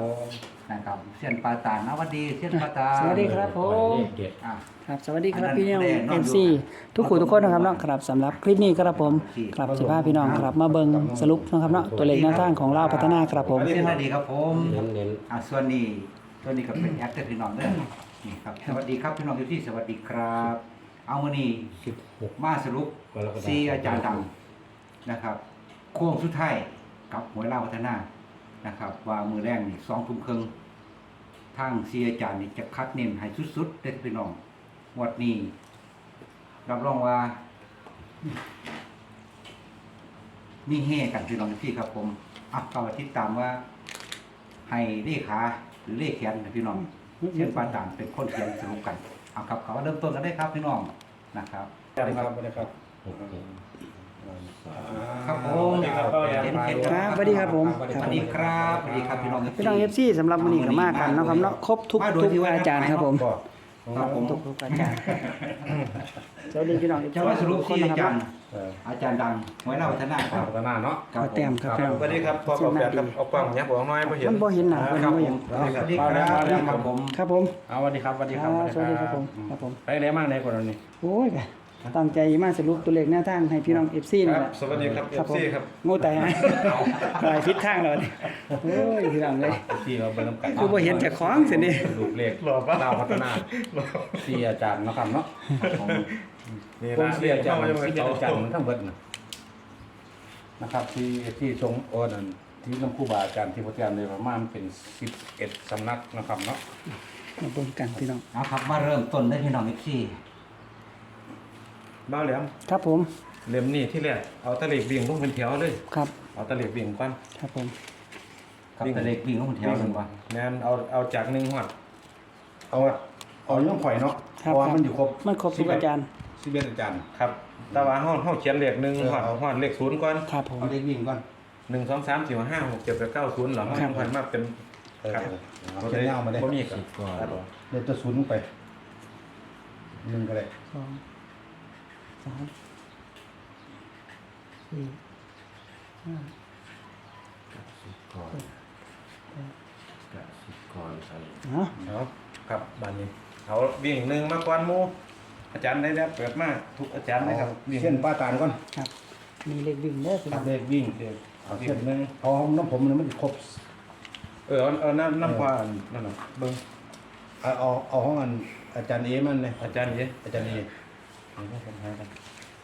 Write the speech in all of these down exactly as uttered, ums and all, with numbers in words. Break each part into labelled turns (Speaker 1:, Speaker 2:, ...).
Speaker 1: นะครับเซียนปาตานสวัสดีเซียนปาตาน
Speaker 2: สวัสดีครับผม
Speaker 1: อ่ะ
Speaker 2: ครับสวัสดีครับ
Speaker 1: อันนั้น
Speaker 2: พี่น้อง
Speaker 1: แน่นอน
Speaker 2: เอ็มซีทุกคนทุกคนนะครับเนาะครับสำหรับคลิปนี้ครับผมครับสิบห้าพี่น้องครับมาเบิ่งสรุปนะครับเนาะตัวเลขหน้าทางของลาวพัฒนาครับผม
Speaker 1: เซียนสวัสดีครับผม
Speaker 3: เน้นเน้น
Speaker 1: อ่ะส่วนนี้ส่วนนี้ก็เป็นแอคเตอร์พี่น้องเด้อนี่ครับสวัสดีครับพี่น้องทุกที่สวัสดีครับ เอามื้อนี้
Speaker 3: สิบหก
Speaker 1: มาสรุป
Speaker 3: กรกฎาคม
Speaker 1: ซีอาจารย์ดังนะครับโค้งสุดท้ายกับหวยลาวพัฒนานะครับ ว่ามือแรกนี่สองทุ่มครึ่งทางซีอาจารย์นี่จะคัดเน้นให้สุดๆเด็ดพี่น้องงวดนี้รับรองว่า มีเฮกันพี่น้องที่ครับผมอ่ะก็มาติดตามว่า ให้เลขาหรือเลขเขียนนะพี่น้องเช่นปาตานเป็นคนเขียนสรุปกันเอาครับเขาเริ่มต้นกันได้ครับพี่น้องนะครับ
Speaker 4: สวัสดีครับสวัสดีครับ
Speaker 3: หกเจ็ด
Speaker 1: ครับผม
Speaker 4: เห็นเห็น
Speaker 2: ครับสวัสดีครับผม
Speaker 1: สวัสดีครับสวัสดีครับพี่น้อง
Speaker 2: พี่น้องเอฟซีสำหรับวันนี้ก็มากันเนาะครับเนาะครบทุกทุกอาจารย์ครับผม
Speaker 1: ครับผม
Speaker 2: ทุกทุกอาจารย์สวัสดีพี่น้องเอฟซี
Speaker 1: จะว่าสรุป
Speaker 2: ทุกคน
Speaker 1: ที่
Speaker 2: นะ
Speaker 1: อา
Speaker 2: ค
Speaker 1: จา
Speaker 2: รับ
Speaker 1: รย์อาจารย์ดังไว้เล่าพัฒนาครับ
Speaker 3: พัฒนาเนาะ
Speaker 1: ครับ
Speaker 2: ขอแต้มครับพี่น้อง
Speaker 4: สวัสดีครับพ่อกับแฟนครับเอากล้องเนี้ยผมน้อยไม่เห็น
Speaker 2: มันบ่เห็นหน้าเพิ่น
Speaker 1: ครับ
Speaker 2: บ่
Speaker 1: ผ
Speaker 2: เห็น
Speaker 1: มสวัสดีครับครับผม
Speaker 2: ครับผม
Speaker 3: เอาสวัสดีครับสวัสดีครับ
Speaker 2: อ่าสวัสดีครับผมครับผม
Speaker 3: ไปไหนมากในคนนี้
Speaker 2: โอ้ยตั้งใจมาสรุปตัวเลขหน้าทางให้พี่น้อง เอฟ ซี
Speaker 4: ค
Speaker 2: นี่
Speaker 4: รับ
Speaker 2: แหละ
Speaker 4: สวัสดีครับเอ
Speaker 2: ครับ
Speaker 4: ฟ
Speaker 2: ผม
Speaker 4: ซีครับ
Speaker 2: โง่ตายฮะหลายทิศทางแล้วนี่โอ้ยพี่น้องเลย
Speaker 3: ที่เราไปน้ำกัน
Speaker 2: คือบ่เห็นจากของสินี่
Speaker 3: ลูกเลขดาวพัฒนาที่อาจารย์เนาะครับเนาะ
Speaker 4: นี่
Speaker 3: ผม
Speaker 4: นะ
Speaker 3: เสียอาจารย์
Speaker 4: เข้ามายังไง
Speaker 3: ที่
Speaker 4: ต่อ
Speaker 3: อาจารย์ทั้งเบิดนะครับที่ที่ทรงโอนันที่น้ำคู่บาอาจารย์ที่พระอาจารย์เลยประมาณเป็นสิบเอ็ดสำนักนะครับเนาะ
Speaker 2: มาเบิ่งกันพี่น้อง
Speaker 1: เอาครับมาเริ่มต้นได้พี่น้องอีกที่
Speaker 4: บ้าแหลม
Speaker 2: ครับผม
Speaker 4: เล่มนี้ที่แรกเอาตะเล็กบิ่งลงเป็นแถวเลย
Speaker 2: ครับ
Speaker 4: เอาตะเล็กบิ่งก่อน
Speaker 2: ครับผม
Speaker 1: กับแต่เล็กวิ่งลงแถวหนึ่งว่า
Speaker 4: แม่นเอาเอาจากหนึ่งหัดเอาเอาย่อมข่อยเนาะ
Speaker 2: ครับ
Speaker 4: เพราะว่ามันอยู่ครบ
Speaker 2: มันครบทุกอาจารย์
Speaker 3: สิบเอ็ดอาจารย์
Speaker 4: ครับ แต่ว่าห้องห้องเขียนเลขหนึ่งหัด
Speaker 3: เออเอา
Speaker 4: หัดเลขศูนย์ก่อน
Speaker 2: ครับผม
Speaker 3: เอาเลขวิ่งก่อน
Speaker 4: หนึ่งสองสามสี่ห้าหกเจ็ดแปดเก้าศูนย์เหรอห้องหัดมาเป็น
Speaker 3: เออ
Speaker 4: ครับ
Speaker 3: เอาเขียนยาวมาเลย
Speaker 4: บ่มีครับ
Speaker 3: เดี๋ยวจะศูนย์ลงไปหนึ่งก็ได้
Speaker 2: สองสามสี่ห้า
Speaker 3: ก่อนกสิกรไทย
Speaker 2: เนาะ
Speaker 4: เอาครับบานนี้เอาวิ่งหนึ่งมาก่อนหมูอาจารย์ได้แล้วเปิดมาทุกอาจารย์นะครับวิ่ง
Speaker 3: เส้นป้าตานก่อน
Speaker 2: ครับมีเลขวิ่งเด้อพี่
Speaker 3: ตั
Speaker 2: น้อ
Speaker 3: ด
Speaker 2: ง
Speaker 3: เลขวิ่ง
Speaker 4: เดี๋ยว
Speaker 3: เอา
Speaker 4: เอา
Speaker 3: เส้
Speaker 4: เส้
Speaker 3: น
Speaker 4: นหนึ่ง
Speaker 3: เอาของน้ำผมมันไม่ได้ครบ
Speaker 4: เออเอาเอาน้ำน้ำควานนั่นน่ะเบิ้ง
Speaker 3: เอาเอาเอาห้องอันอาจารย์เอมันเลย
Speaker 4: อาจารย์เอ๋
Speaker 3: อาจารย์เอ
Speaker 4: เอาให้ผมหากัน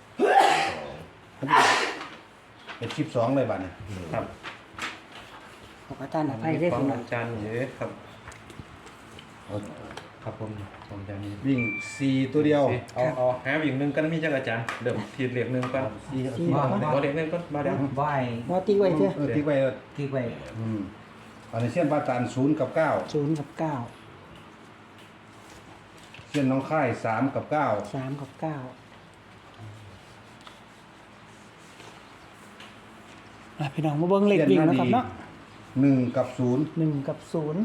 Speaker 3: เป็นสิบสองเลยบัดเนี่ย
Speaker 4: ครับ
Speaker 2: ขออาจารย์อภัยเด้อ
Speaker 4: ขอ
Speaker 2: พี่
Speaker 4: ง
Speaker 2: น้อง
Speaker 4: อาจารย์เอ๋ครับ
Speaker 3: เอา
Speaker 4: ครับผมของอาจารย์เอ๋
Speaker 3: วิ่งสี่ตัวเดียว
Speaker 4: เอาเอาหาวิ่งหนึ่งกันมีจักอาจารย์เดิมทีเหลียกหนึ่งก่อน
Speaker 3: สี่
Speaker 2: สี่
Speaker 3: สี่
Speaker 2: ก่อน
Speaker 4: เอาเหลียกหนึ่งก่อนมาเดี๋ยว
Speaker 1: ไหว
Speaker 2: ว่าตีไว้เถอะ
Speaker 3: เออติ๊กไว้เออ
Speaker 1: ที่ไว้
Speaker 3: อืมอันนี้เส้นป้าตานศูนย์กับเก้า
Speaker 2: ศูนย์กับเก้า
Speaker 3: เส้นน้องค่ายสามกับเก้า
Speaker 2: สามกับเก้าอ่ะพี่น้องมาเบิ่งเลขวิ่งนะครับเนาะ
Speaker 3: หนึ่งกับศูนย์
Speaker 2: หนึ่งกับศูนย์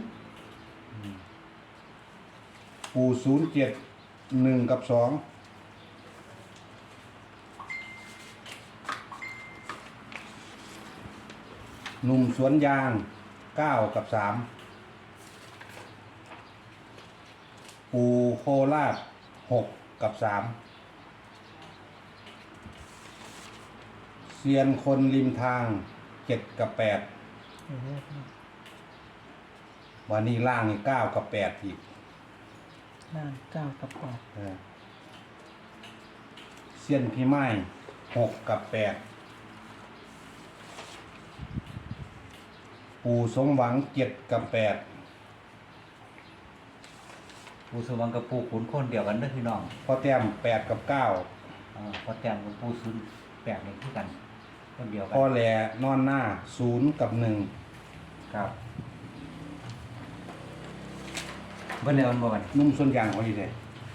Speaker 3: ปูศูนย์เจ็ดหนึ่งกับสองหนุ่มสวนยางเก้ากับสามปูโคราชหกกับสามเซียนคนริมทางเจ็ดกับแปด
Speaker 2: เออพี่น้อง
Speaker 3: วันนี้ล่างนี่เก้ากับแปดอีก
Speaker 2: ล่างเก้ากับแปด
Speaker 3: เออเซียนพี่ไม้หกกับแปดปูสมหวังเจ็ดกับแปด
Speaker 1: ปูสวังกับปูขุนคนเดียวกันเด้อพี่น้อง
Speaker 3: พ่อแต้มแปดกับเก้า
Speaker 1: อ่าพอแต้มกับปูศูนย์แปดนี่คือกันคนเดียวกัน
Speaker 3: พ่อแหลนอนหน้าศูนย์กับหนึ่ง
Speaker 1: ครับเบิ่นแล้วมันบ่กัน
Speaker 3: นุ่มส่วนยางเขาอยู่เลย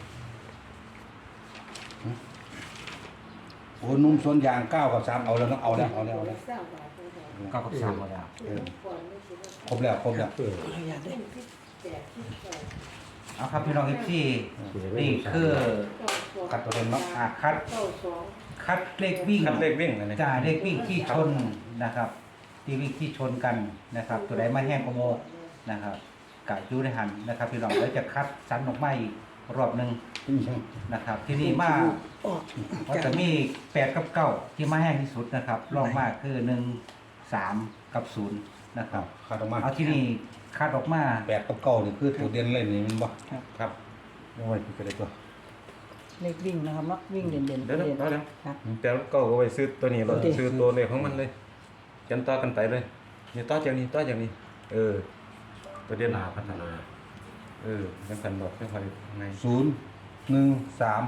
Speaker 3: โอ้นุ่มส่วนยางเก้ากับสามเอาแล้วต้องเอาแล้วเอาแล้วเอาแล้ว
Speaker 1: เก้ากับสามบ่แล้ว
Speaker 3: เออครบแล้วครบแล้ว
Speaker 2: ขออนุญาตเด้อ
Speaker 1: เอาครับพี่น้องเอฟซีนี่คือ
Speaker 3: คัดตัวเต็มเนาะ
Speaker 1: อาคัดคัดเลขวิ่ง
Speaker 4: คัดเลขวิ่งเลย
Speaker 1: จ่าเลขวิ่งที่ชนนะครับ ที่วิ่งที่ชนกันนะครับ ตัวใดมาแห้งกว่าโมนะครับกะอยู่ในหันนะครับพี่น้องแล้วจะคัดสรรออกมาอีกรอบหนึงนะครับ ที่นี่มา
Speaker 2: ออก
Speaker 1: ว่าจะมีแปดกับเก้าที่มาแห้งที่สุดนะครับรองมากคือหนึ่งสามกับศูนย์นะครับ
Speaker 3: ขาดออกมา
Speaker 1: เอาที่นี่คัดออกมา
Speaker 3: แปดกับเก้านี่คือตัวเด่นเลยนี่มันบ่
Speaker 2: ครับ
Speaker 4: ครับ
Speaker 3: เอาไว้คือได้ตัว
Speaker 2: เลขวิ่งนะครับเนาะวิ่งเด่นเด่น
Speaker 4: เดี๋ยวเดี๋ยว
Speaker 2: เด่น
Speaker 4: เดี๋ยว
Speaker 2: ครับ
Speaker 4: แต่ก็เอาไว้ซื้อตัวนี้เรา
Speaker 2: โอเค
Speaker 4: ซื้อตัวเลขของมันเลยกันต่อกันไปเลยนี่ต่อจากนี้ต่อจากนี้ เออ ตัวเด่น
Speaker 5: ลาพัฒนา
Speaker 4: เออยังกันบอกยังคอยไง
Speaker 3: ศูนย์หนึ่งสาม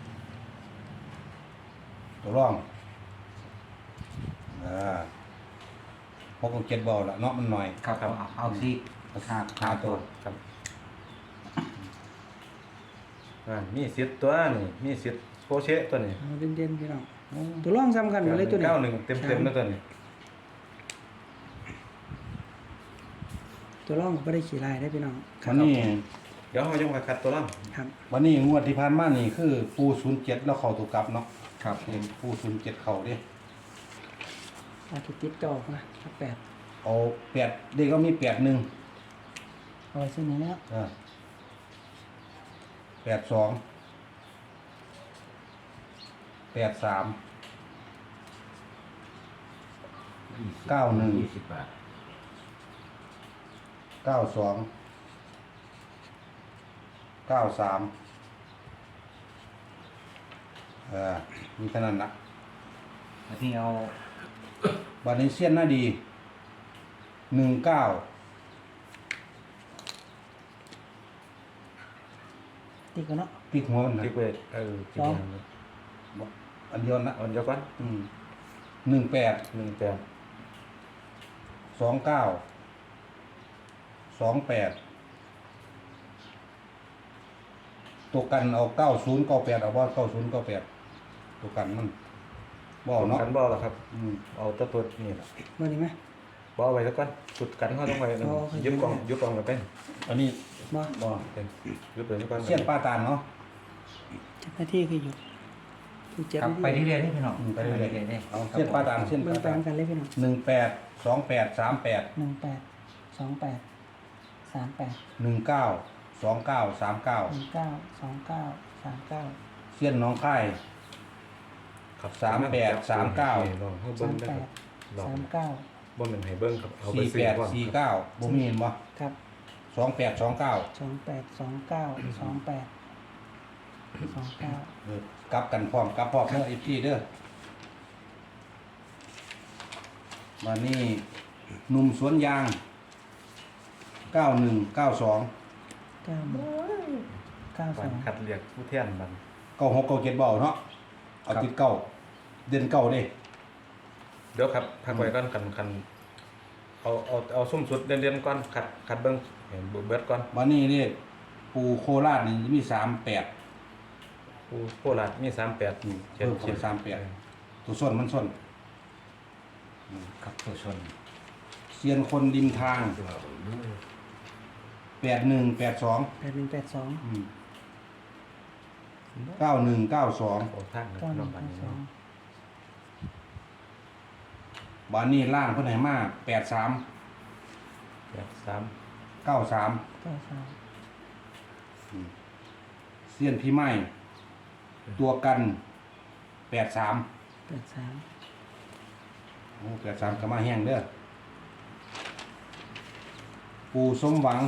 Speaker 3: ตัวร่องอ่าพกเจ็ดบอลละเนาะมันหน่อย
Speaker 1: ครับเอาเอาสิห้าห้าตัว
Speaker 4: ครับอ่ามีสิทธิ์ตัวนี่มีสิทธิ์โคเชะตัวนี้
Speaker 2: เอาเด่นเด่นพี่น้องตัวร่องซ้ำกันหมดเลยตัวนี้
Speaker 4: เก้าหนึ่งเต็มเต็มๆแล้วตัวนี้
Speaker 2: ตัวร่องก็ไม่ได้ขี่ลายได้พี่น้องครั
Speaker 3: วั
Speaker 2: บ
Speaker 3: นนี้
Speaker 4: เดี๋ยวเรายังมาคัดตัวล่าง
Speaker 2: ครับ
Speaker 3: วันนี้งวดที่ผ่านมานี่คือปูศูนย์เจ็ดแล้วเข้าตัวกลับเนาะ
Speaker 1: ครับ
Speaker 3: เห็นปูศูนย์เจ็ดเข้าเดิ
Speaker 2: อาคิดติดจอกนะครับแปด
Speaker 3: เอาแปดเด็กก็มีแปดหนึ่ง
Speaker 2: เอาไว้เส้นนี้แล้ว
Speaker 3: อ่าแปดสองแปดสาม เก้าหนึ่ง
Speaker 5: ยี่สิบบาท
Speaker 3: เก้าสองเก้าสามเออมีเท่านั้นนะ
Speaker 1: อันนี้เอา
Speaker 3: วันนี้เสี้ยนหน้าดีหนึ่งเก้า
Speaker 2: ติดกันเนาะ
Speaker 3: ติ๊กหัวมันนะ
Speaker 4: ติ๊กเวทเออติ๊ก
Speaker 2: สอง
Speaker 4: เวท
Speaker 3: อันเดียวนะ
Speaker 4: เอันเดียวกัน
Speaker 3: อืมหนึ่งแปด
Speaker 4: หนึ่งแปด
Speaker 3: สองเก้าสองแปดตัวกันเอาเก้าศูนย์เก้าแปดเอาว่าเก้าศูนย์เก้าแปดตัวกันมันบ่เอาเนาะ
Speaker 4: กันบอลหรอครับ
Speaker 3: อืม
Speaker 4: เอาตัวตัวนี่แหละ
Speaker 2: มาดีไหม
Speaker 4: บอลไว้แล้วก่อนสุดกันเขาต้องไว้
Speaker 2: อ๋อโอเค
Speaker 4: ยึดกล่องยึดกล่องกันเป็น
Speaker 3: อันนี้
Speaker 2: บ่
Speaker 3: บ่
Speaker 4: เป็นยึดไปแล้วก่อน
Speaker 3: เสี้ยนป้าตาลเนาะ
Speaker 2: เจ็ดนาทีคืออยู่คือเจ็ด
Speaker 1: ครับ
Speaker 2: นาที
Speaker 1: ไปเรื่อยๆนี่พี่น้อง
Speaker 3: อืมไปเรื่อย
Speaker 1: ๆนี่
Speaker 3: ๆเอาเสี้ยนป้าตาลเสี้ยน
Speaker 2: เบิ่
Speaker 3: ป้าง
Speaker 2: ไป
Speaker 3: ตาล
Speaker 2: กันเลยพี่น้อง
Speaker 3: หนึ่งแปดสองแปดสามแปด
Speaker 2: หนึ่งแปดสองแปดสามแปด
Speaker 3: หนึ่งเก้าสองเก้าสามเก้า
Speaker 2: หนึ่งเก้าสองเก้าสามเก้า
Speaker 3: เสี้ยนน้องค่าย
Speaker 4: ครับ
Speaker 3: สามแปดสามเก้า
Speaker 4: นี่ลองให้
Speaker 2: สา
Speaker 4: เบิ้ง
Speaker 2: ม
Speaker 4: ได้
Speaker 2: แป
Speaker 4: ครั
Speaker 2: ด
Speaker 4: บลอง
Speaker 2: สามเก้า
Speaker 4: บ่เป็นให้เบิ้งครับเอาไป
Speaker 3: สี่
Speaker 4: ซื้
Speaker 3: แป
Speaker 4: อ
Speaker 3: ด
Speaker 4: ก่อน
Speaker 3: สี่เก้าบ่มีเห็นบ่
Speaker 2: ครับ
Speaker 3: สองแปดสองเก้า
Speaker 2: สองแปดสองเก้าสองแปดสองเก้า
Speaker 3: เออกลับกันพร้อมกลับพร้อมเด้ออีกทีเด้อมานี่หนุ่มสวนยางเก้าหนึ่งเก้าสอง
Speaker 2: เก้าหนึ่งเก้าส
Speaker 4: ก่อ
Speaker 2: อน ง
Speaker 4: คัดเรียกผู้เทียนมัน
Speaker 3: เก้าหกเก้าเจ็ดเบาเนาะเอาติดเก้าเด่นเก้าเด้
Speaker 4: เดี๋ยวครับพักไว้ก่อนกันกันเอาเอาเอาซุ่มสุดเด่นๆก่อนคัดคัดเบิ้งเห็นเบิดก่อน
Speaker 3: มานี่นี่ปูโคราชนี่มีสามแปด
Speaker 4: ผู้โคราชมีสามแปด
Speaker 3: อืมเพิ่มเข้าไปสามแปด ตัวส้นมันส้น
Speaker 1: กับตัวชน
Speaker 3: เซียนคนริมทางแปดหนึ่งแปดสอง
Speaker 2: แปดหนึ่งแปดสอง
Speaker 3: เก้าหนึ่งเก้าสอง
Speaker 4: โอ้ทางนะ
Speaker 2: เก้าห
Speaker 4: น้
Speaker 2: นึ่
Speaker 4: อง
Speaker 2: ง
Speaker 4: บั
Speaker 2: แป
Speaker 4: น
Speaker 2: ด
Speaker 4: นี้
Speaker 2: สอง
Speaker 3: บานนี่ล่างเพิ่นให้มาแปดสาม
Speaker 4: แปดสาม
Speaker 3: เก้าสาม
Speaker 2: เก้าสาม
Speaker 3: เซียนพี่ไม้ตัวกันแปดสาม
Speaker 2: แปดสาม
Speaker 3: โอ้แปดสามก็มาแห้งเด้อปูสมหวัง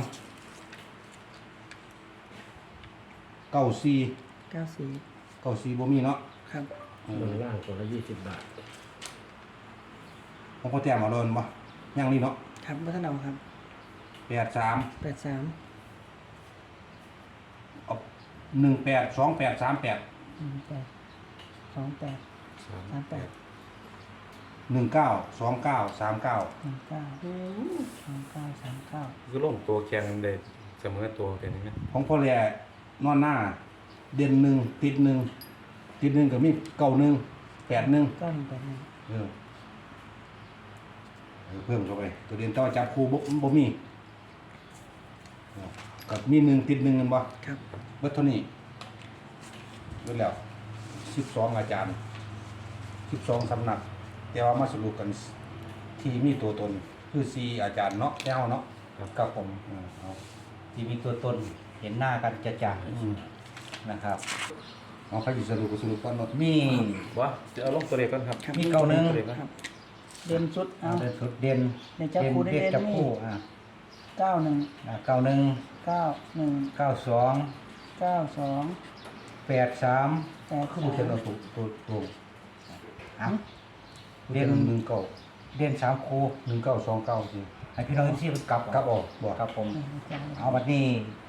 Speaker 3: เก้าสี่
Speaker 2: เก้าสี่
Speaker 3: เก้าสี่บ่มีเนาะ
Speaker 2: ครับ
Speaker 3: เอ
Speaker 5: เงิ
Speaker 3: อน
Speaker 5: ล่างคนละยี่สิบบาท
Speaker 3: ของพ่อแต้มเอาโดนบ่ยังนี่เนาะ
Speaker 2: ครับวัฒนเอาครับ
Speaker 3: แปดสาม
Speaker 2: แปดสาม
Speaker 3: เอาหนึ่งแปดสองแปดสามแปด
Speaker 2: หนึ่งแปดสองแปด
Speaker 4: สาม
Speaker 2: สามแปด
Speaker 3: หนึ่งเก้าสองเก้าสามเก้า
Speaker 2: หนึ่งเก้าสองเก้าสามเก้า
Speaker 4: คือลงตัวแข่งได้เสมอตัวเป็นยังไง
Speaker 3: ของพ่อแหล่นอนหน้า เด่นหนึ่งติดหนึ่งติดหนึ่งก็มีเก้าหนึ่งแปดหนึ่ง
Speaker 2: เก้าหนึ่งแปดหนึ่ง
Speaker 3: เออเออเพิ่มเข้าไป ตัวเด่นต่อจับคู่บ่บ่มีเออกับมีหนึ่งติดหนึ่งกันบ่
Speaker 2: ครับ
Speaker 3: เบิดเท่านี้เบิดแล้วสิบสองอาจารย์สิบสองสำนัก แต่ว่ามาสรุปกันที่มีตัวตน คือสี่อาจารย์เนาะแก้วเนาะ
Speaker 4: คครับ
Speaker 1: กับผม
Speaker 3: อ่าเอา
Speaker 1: ที่มีตัวตนเห็นหน้ากันจะจัง
Speaker 3: อืม
Speaker 1: นะครับ
Speaker 3: เอาใครสิสรุปก็สรุปก่อนเนาะ
Speaker 1: มี
Speaker 4: ว่าจะเอาลงตัวเลขก่อนครับ
Speaker 2: ครับ
Speaker 1: มีเก้าหนึ่ง
Speaker 4: ตัวเลขก่อน
Speaker 2: ครับเด่นสุดเอา
Speaker 1: เอาเป็นสุดเด่น
Speaker 2: เด่นจับคู่
Speaker 1: เด่น
Speaker 2: เด่น
Speaker 1: จับ
Speaker 2: นี่
Speaker 1: คู่อ่า
Speaker 2: เก้าหนึ่ง
Speaker 1: อ่าเก้าหนึ่ง
Speaker 2: เก้าหนึ่ง
Speaker 1: เก้าสอง
Speaker 2: เก้าสอง
Speaker 1: แปดสาม
Speaker 2: แปด
Speaker 3: คือบ่เขียนเอาถูกตัวตัว
Speaker 1: อ่ะ
Speaker 3: เด่นหนึ่งเก้า
Speaker 1: เด่นสามคู่
Speaker 3: หนึ่งเก้าสองเก้าสิ
Speaker 1: ให้พี่น้องที่กลับ
Speaker 3: กลับออกบ่
Speaker 1: ครับผม
Speaker 2: เอา
Speaker 1: เอาบัดนี้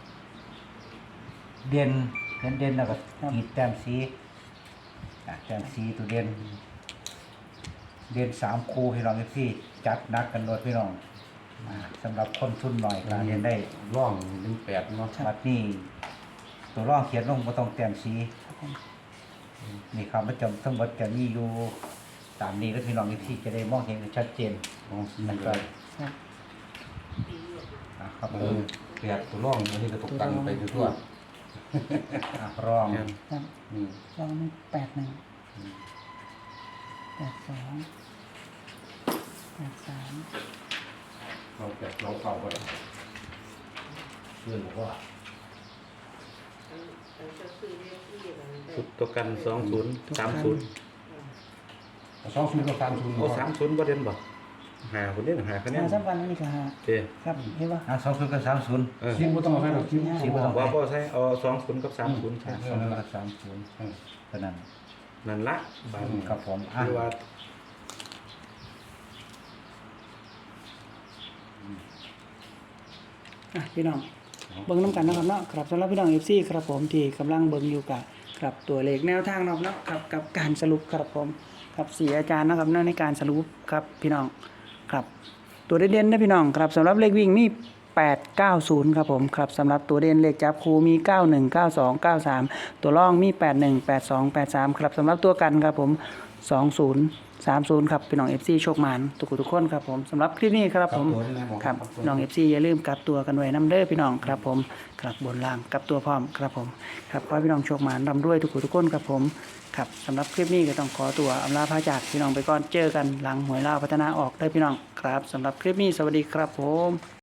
Speaker 1: เด่นเด่นเด่นแล้วก็ขีดแต้มสีอ่ะแต้มสีตัวเด่นเด่นสามคู่พี่น้องที่จัดหนักกันโดดพี่น้องอ่าสำหรับคนทุนหน่อยการเรียนได้
Speaker 3: ร่องหนึ่งแปดเนาะ
Speaker 1: บัดนี้ตัวร่องเขียนลงบ่ต้องแต้มสีนี่ครับประจำทั้งหมดจะมีอยู่ตามนี้แล้วพี่น้องที่จะได้มองเห็นชัดเจน
Speaker 3: ของสี
Speaker 1: นะค
Speaker 3: ก็
Speaker 1: รับ
Speaker 2: ครับ
Speaker 1: อ่ะครับ
Speaker 3: เอ
Speaker 1: ผ
Speaker 3: อ
Speaker 1: ม
Speaker 3: แปดตัวร่องอันนี้ก็ตกตังไปทั่ว
Speaker 1: อ่ะร่อง
Speaker 4: ครับ
Speaker 2: ครับ
Speaker 3: ๆอืม
Speaker 2: ลองนี่แปดหนึ่งแปดสองแปดสาม
Speaker 3: เราแปดเราเก่าก็ได้เพื่อนบอกว่า
Speaker 4: สุดตัวกันสองศูนย์สามศูนย์
Speaker 3: สองศูนย์กับสามศูนย์
Speaker 4: โอ้สามศูนย์ประเด็นบ่หาคนนี้หาคะแน
Speaker 2: หาน สำคัญนี่ก็หา
Speaker 4: เจ้
Speaker 2: ครับเห็นป่ะ
Speaker 1: อ่ะสองศูนย์กับสามศูนย์
Speaker 4: เออ
Speaker 3: ซิมบ่ต้องเอาให้หรอกซิม
Speaker 1: ซิมบ่ต้อง
Speaker 4: ว่าก็ใช่เอาสองศูนย์กับสามศูนย์
Speaker 1: อ่ะสองศูนย์กับสามศูนย์
Speaker 3: เออ
Speaker 1: เท่านั้น
Speaker 4: นั่นละบาง
Speaker 1: ครับผมอ่ะ
Speaker 4: คือว่า
Speaker 2: อ่ะพี่น้องเบิ่งน้ำกันนะครับเนาะครับสำหรับพี่น้อง เอฟ ซี ครับผมที่กำลังเบิ่งอยู่กับครับตัวเลขแนวทางเนาะเนาะครับกับการสรุปครับผมครับสี่อาจารย์นะครับเนาะในการสรุปครับพี่น้องครับตัวเด่นๆนะพี่น้องครับสำหรับเลขวิ่งมีแปด เก้า ศูนย์ครับผมครับสำหรับตัวเด่นเลขจับคู่มีเก้าหนึ่ง เก้าสอง เก้าสามตัวร่องมีแปดหนึ่ง แปดสอง แปดสามครับสำหรับตัวกันครับผมสองศูนย์ สามศูนย์ครับพี่น้อง เอฟ ซี โชคหมานทุกคนทุกคนครับผมสำหรับคลิปนี้ครับผม
Speaker 3: ตัวนี้นะผม
Speaker 2: ครับน้อง เอฟ ซี อย่าลืมกลับตัวกันไว้น้ำเด้อพี่น้องครับผมครับบนล่างกลับตัวพร้อมครับผมครับขอให้พี่น้องโชคหมานร่ำรวยทุกคนทุกคนครับผมครับสำหรับคลิปนี้ก็ต้องขอตัวอำลาพระจากพี่น้องไปก่อนเจอกันหลังหวยล่าวพัฒนาออกได้อพี่น้องครับสำหรับคลิปนี้สวัสดีครับผม